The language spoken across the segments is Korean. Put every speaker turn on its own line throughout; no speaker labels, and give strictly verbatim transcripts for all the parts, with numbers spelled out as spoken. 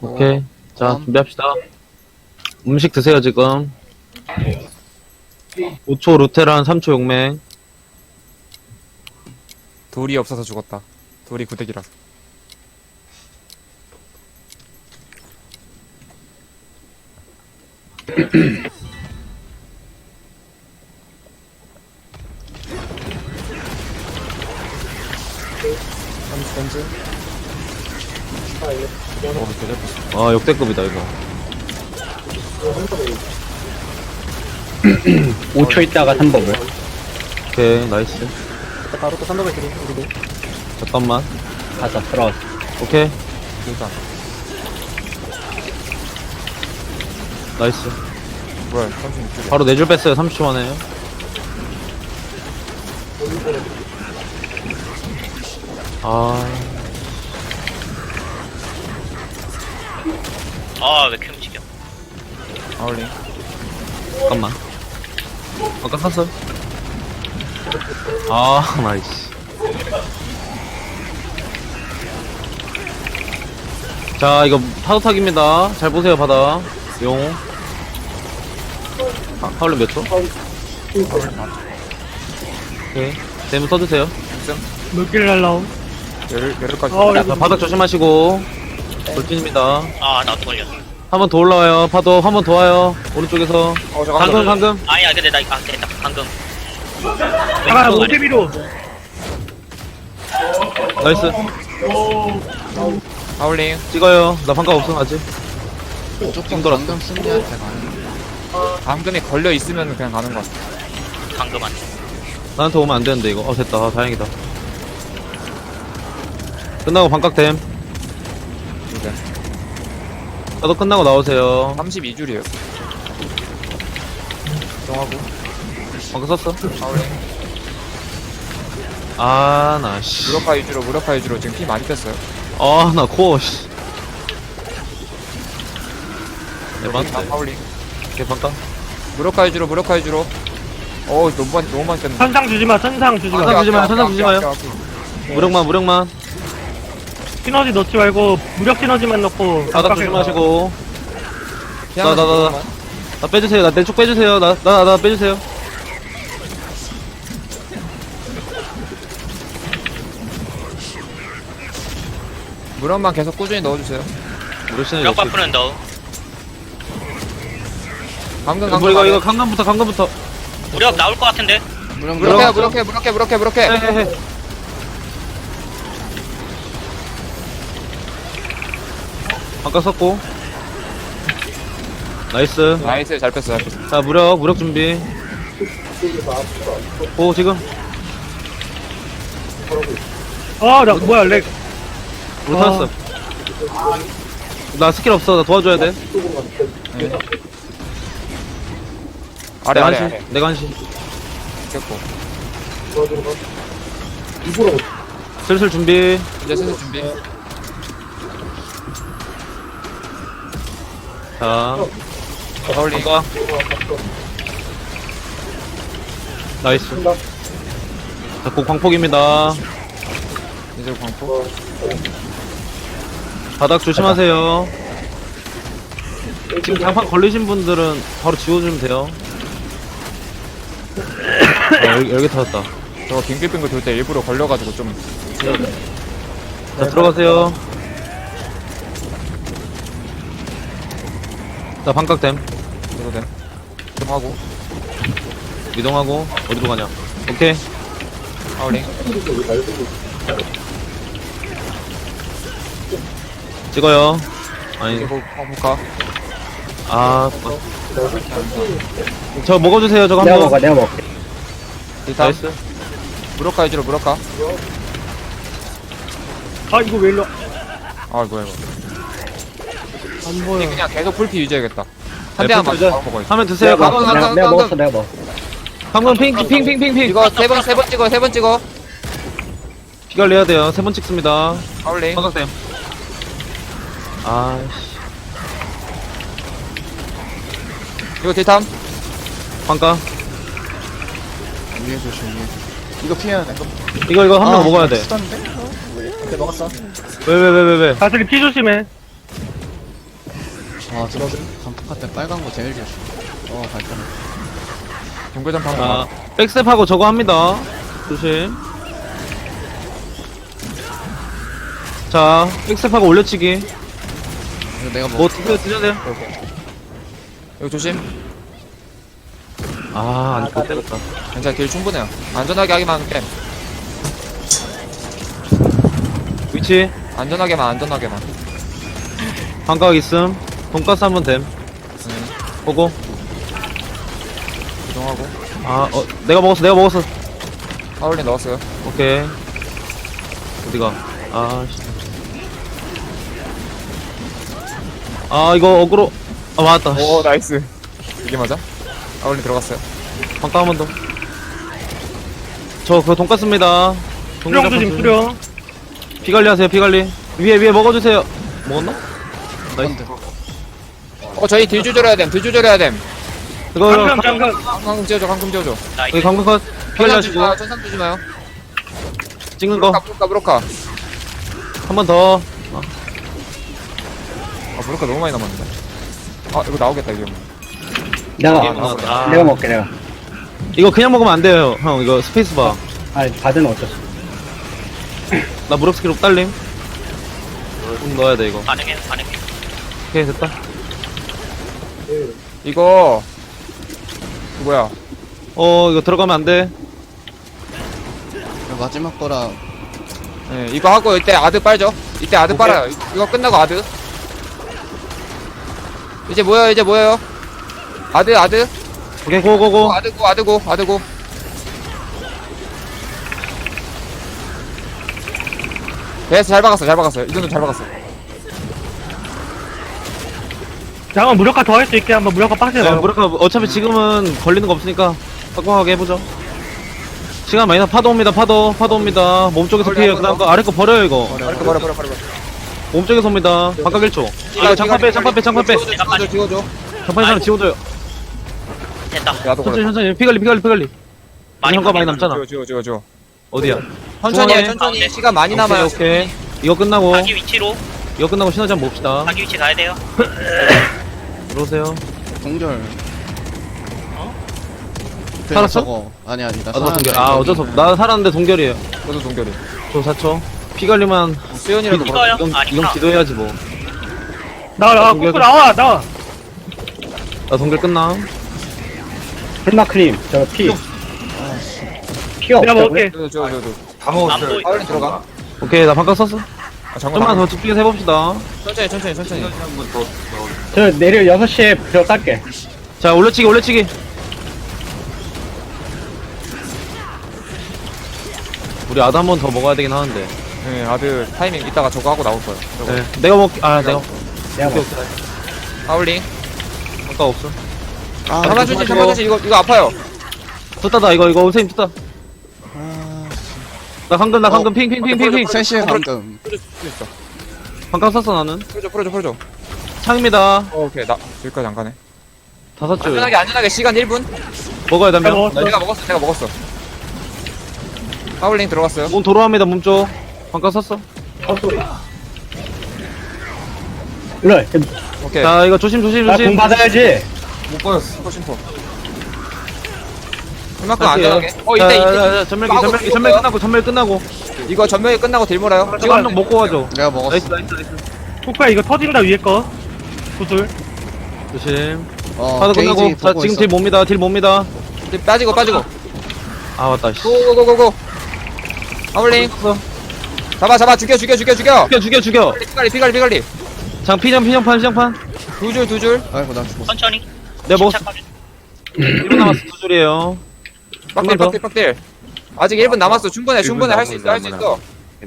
오케이. 자,
음.
준비합시다. 음식 드세요, 지금. 오 초 루테란, 삼 초 용맹.
돌이 없어서 죽었다. 돌이 구대기라서. 던지 던지. 어, 대잡혔어.
아, 역대급이다, 이거.
오 초 있다가 삼 법을.
오케이, 나이스.
바로 또 삼 법을 드리, 우리도.
잠깐만.
가자, 들어왔어.
오케이,
일단.
나이스.
뭐야, 삼십육 줄.
바로 네 줄 뺐어요, 삼십 초 만에. 아,
아, 왜 이렇게 움직여?
아울링.
잠깐만. 아까 샀어. 아, 나이스. 자, 이거 파도타기입니다. 잘 보세요, 바다. 용. 아, 하울링 몇 초? 오케이. 대문 써주세요.
몇 개를 날라오?
열을, 열을까지.
어,
자, 바닥 조심하시고. 돌진입니다.
아, 나도 걸려.
한 번 더 올라와요. 파도 한 번 더 와요. 오른쪽에서.
어, 잠깐만.
방금, 방금.
아니야, 근데 나, 아, 됐다. 방금.
아, 오대비로.
나이스.
아울링.
찍어요. 나 방금 없음, 아직.
무조건
돌았어.
방금 승리한테 가는
방금이 걸려 있으면 그냥 가는 거 같아.
방금 안 돼.
나한테 오면 안 되는데, 이거. 어, 됐다. 아, 다행이다. 끝나고 반깍댐.
이제.
나도 끝나고 나오세요.
삼십이 줄이에요. 정하고.
방금 썼어?
아울링.
아, 나, 씨.
무력화 위주로, 무력화 위주로 지금 피 많이 뺐어요.
아, 나 코어, 씨. 에반데.
아울링.
이렇게 반깍.
무력화 위주로, 무력화 위주로. 어, 너무 많이, 너무 많이 뺐네.
천상 주지 마, 천상 주지 마.
천상 주지 마요, 천상 주지 마요.
아껴, 아껴, 아껴.
무력만, 무력만.
시너지 넣지 말고, 무력 시너지만 넣고.
바닥
깜빡이
조심하시고.
피하면서
나, 나, 나, 나.
무력만.
나 빼주세요. 나 내 쪽 빼주세요. 나, 나, 나 빼주세요.
무력만 계속 꾸준히 넣어주세요.
무력신을
몇 바프는 너.
방금
이거,
방금
이거, 이거, 강간부터, 강간부터.
무력 나올 것 같은데?
무령
무력해 무력해 무력해 무력해 무력해.
헤헤헤. 반깍 썼고. 나이스.
나이스 잘 뺐어 잘 뺐어.
자, 무력, 무력 준비. 오, 지금.
아, 나, 뭐야, 렉.
우리
아.
터졌어. 나 스킬 없어. 나 도와줘야 돼.
아래
내가
아래
한시.
아래.
내가 한시.
됐고.
슬슬 준비.
이제 슬슬 준비.
자,
아울링.
반깍. 나이스. 자, 곧 광폭입니다.
이제 광포.
바닥 조심하세요. 지금 장판 걸리신 분들은 바로 지워주면 돼요. 아, 열, 열개 터졌다.
저거 빙글빙글 돌 때 일부러 걸려가지고 좀.
자, 들어가세요. 자, 반깍댐.
이거 돼. 좀 하고.
이동하고, 어디로 가냐. 오케이.
아울링.
찍어요. 아니,
이거 볼까?
아, 어. 저 먹어주세요, 저거
내가
한
먹어,
번.
내가 먹게.
일단
나이스.
무력화 위주로 무력화.
아, 이거 왜 일로.
아 뭐야 이거.
안 보여.
그냥 계속 풀피 유지해야겠다. 한
네,
대만
풀피
맞춰
유지.
바로 먹어야지.
하면 드세요.
내가
방금,
가-
내가,
강,
내가
강,
먹었어, 내가 먹었어.
방금 핑, 핑, 핑, 핑, 핑.
이거 세 번 세 번 찍어 세 번 찍어.
피 관리해야 돼요. 세 번 찍습니다.
아울링.
반깍댐. 아이씨.
이거 딜탐.
반깍.
위에 조심 위에 이거 피해야 돼
이거, 이거 한 명 먹어야 돼.
쓰던데? 어? 왜? 근데 먹었어
왜, 왜, 왜, 왜, 왜.
다슬이 피 조심해.
아 들어줘. 강폭할 때 빨간 거 제일 좋지. 어 발전.
동글전 방금.
자, 백스텝하고 저거 합니다. 조심. 자, 백스텝하고 올려치기.
이거 내가
뭐
뭐
드세요, 드셔야 돼요.
여기 조심.
아, 안 되겠다.
괜찮아, 길 충분해요. 안전하게 하기만 하면 게임.
위치,
안전하게만, 안전하게만.
반각 있음. 돈가스 한번 됨.
음,
보고.
이동하고.
아, 어, 내가 먹었어, 내가 먹었어.
파울린 넣었어요.
오케이. 어디가? 아, 씨. 아, 이거 어그로. 아, 맞았다.
오, 나이스. 이게 맞아? 파울린 들어갔어요.
반각 한 번 더. 저, 그거 돈가스입니다.
수령 조심, 수령.
피 관리 하세요, 피 관리. 위에, 위에 먹어주세요. 먹었나? 나이스.
어, 저희 딜 조절해야 됨, 딜 조절해야 됨.
이거,
잠깐, 잠깐.
방금 띄워줘, 방금 띄워줘.
나이스.
여기 강근 컷. 피 관리
천상
하시고.
주지 마요, 천상 주지 마요.
찍는 거.
브로카, 브로카, 브로카.
한 번 더.
아, 브로카 너무 많이 남았는데. 아, 이거 나오겠다, 이거.
내가,
아,
아,
아.
내가 먹게, 내가.
이거 그냥 먹으면 안 돼요, 형. 이거 스페이스 바.
아, 바드는 어쩌지.
나 무력 스킬 옥달림. 좀 넣어야 돼, 이거.
반응해, 반응해.
오케이, 됐다.
이거, 그 뭐야.
어, 이거 들어가면 안 돼.
이거 마지막 거라.
예, 이거 하고 이때 아드 빨죠. 이때 아드 빨아요. 이- 이거 끝나고 아드. 이제 뭐예요, 이제 뭐예요? 아드, 아드.
오케이, 고고고.
고, 아드고, 아드고, 아드고. 됐어, 잘 박았어, 잘 박았어요. 이 정도 잘 박았어.
잠깐 무력화 더 할 수 있게 한번 무력화 빡세
네,
가
무력화, 어차피 지금은 걸리는 거 없으니까 빡빡하게 해보죠. 시간 많이 나, 파도 옵니다, 파도. 파도 옵니다. 몸쪽에서
버려,
피해요. 그
버려.
다음 거 아래 거 버려요, 이거.
버려, 버려, 버려, 버려.
몸쪽에서 옵니다. 반각 일 초. 아, 장판 빼, 장판 빼, 장판 빼.
지워줘, 지워줘.
장판 사람 지워줘요.
됐다.
나도
천천히,
그래.
천천히. 피 관리, 피 관리, 피 관리.
많이
현가 많이
걸리네.
남잖아.
지워, 지워, 지워, 지워.
어디야?
천천히 해,
중앙에.
천천히. 시간 많이 남아요.
오케이, 오케이. 이거 끝나고,
자기 위치로,
이거 끝나고 시너지 한번 봅시다.
자기 위치 가야 돼요.
들어오세요.
동절. 그
살았어?
저거. 아니 아니 나
아, 너 동결.
살았는데
아,
여기.
어쩔 수 없. 나 살았는데 동결이에요.
저도 동결이.
저 사 초. 피 관리만.
수연이라도
이거-
걸어.
이거요?
이건,
아니구나.
이건 기도해야지 뭐.
나와, 나와,
동결.
꼬꼬 나와, 나와.
나 동결 끝나.
헬마크림, 저 피. 피가
내가
없다고요?
먹을게.
저, 저, 저, 저.
안 보이.
파울린 들어가.
오케이, 나 반각 썼어.
아, 잠깐.
좀만 더 집중해서 해봅시다.
천천히, 천천히, 천천히.
저 내일 여섯 시에 들어 깔게.
자, 올려치기, 올려치기. 우리 아드 한 번 더 먹어야 되긴 하는데.
네, 아드 타이밍 이따가 저거 하고 나올 거예요. 저거.
네. 내가 먹, 아, 내가.
내가
오케이,
먹
오케이.
파울링.
반각 없어.
아
잠깐 주지, 잠깐 주지. 이거, 이거 아파요.
떴다다, 이거, 이거, 선생님 떴다.
아,
나 강금, 나
어,
강금, 핑, 핑, 핑, 핑, 핑.
셋 시에 방금.
풀어줄 수 있어.
반각 썼어, 나는.
풀어줘, 풀어줘, 풀어줘.
창입니다.
어, 오케이. 나, 여기까지 안 가네.
다섯 줄.
안전하게, 안전하게. 시간 일 분.
먹어야
내가
되면.
먹었어.
내가 먹었어, 내가 먹었어. 파울링 들어갔어요.
몸 도로합니다, 몸 쪽. 반각 썼어.
일로 와.
오케이.
자, 이거 조심, 조심,
나공
조심.
받아야지.
못 받았어. 심포, 심포. 그만큼 안전하게. 어,
자,
이때,
자,
이때.
자, 전멸기,
이거
전멸기,
하고
전멸
죽었어요?
끝나고, 전멸 끝나고.
이거 전멸이 끝나고 딜 몰아요.
이거 한 명 먹고 가죠.
내가 먹었어.
나이스, 나이스, 나이스.
코코야, 이거 터진다, 위에 거. 구슬.
조심.
어
파도
게이지
끝나고. 자,
보고
지금
있어.
딜 뭡니다, 딜 뭡니다.
딜 빠지고, 빠지고.
아, 맞다, 씨.
고고고고고. 파울링. 잡아, 잡아. 죽여, 죽여, 죽여, 죽여.
죽여, 죽여, 죽여.
피갈리, 피갈리, 피갈리.
장, 피장, 피장판, 피장판.
두 줄, 두 줄.
아이고 나 죽었어.
천천히.
내가 먹었어.
침착하게.
일 분 남았어, 두 줄이에요.
빡딜,
한번 더.
빡딜, 빡딜. 아직 일 분 남았어. 충분해, 충분해. 할 수 있어, 할 수 있어.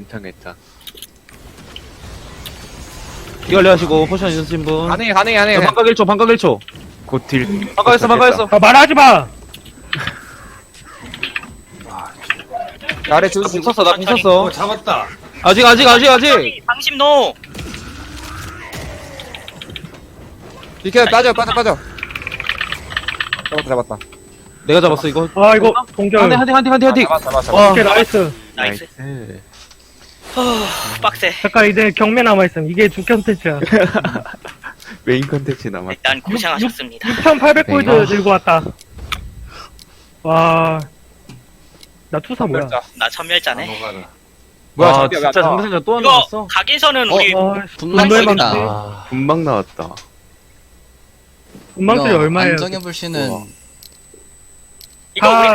피 관리 하시고, 포션 있으신 분.
가능해, 가능해, 가능해.
자, 반각 일 초, 반각 일 초.
곧딜
반각했어, 반각했어.
아, 말하지 마!
아래 줄
나공
수.
쳤어, 나공
천천히.
쳤어.
잡았다.
아직, 아직, 아직, 아직.
방심 노.
비켜, 빠져, 빠져, 빠져. 잡았다, 잡았다.
내가 잡았어, 이거.
아, 이거, 동결.
한 대, 한 대, 한 대, 한 대, 한 대.
잡았어, 잡았어, 잡았어.
와,
오케이, 나이스.
나이스.
네.
빡세.
잠깐, 이제 경매 남아있음. 이게 주 컨텐츠야.
메인 컨텐츠 남았다.
일단 고생하셨습니다.
육천팔백 골드
네.
들고 왔다. 와. 나 투사 뭐야?
자,
나 천멸자네.
뭐야,
아,
장비가
진짜
왜 안 나와?
장비상자 또 안
이거
나왔어?
각인선은
어,
우리
아,
분만술이다.
아,
금방 나왔다.
운망술이
이거
얼마예요?
안정해 불씨는
우와.
이거 우리
아,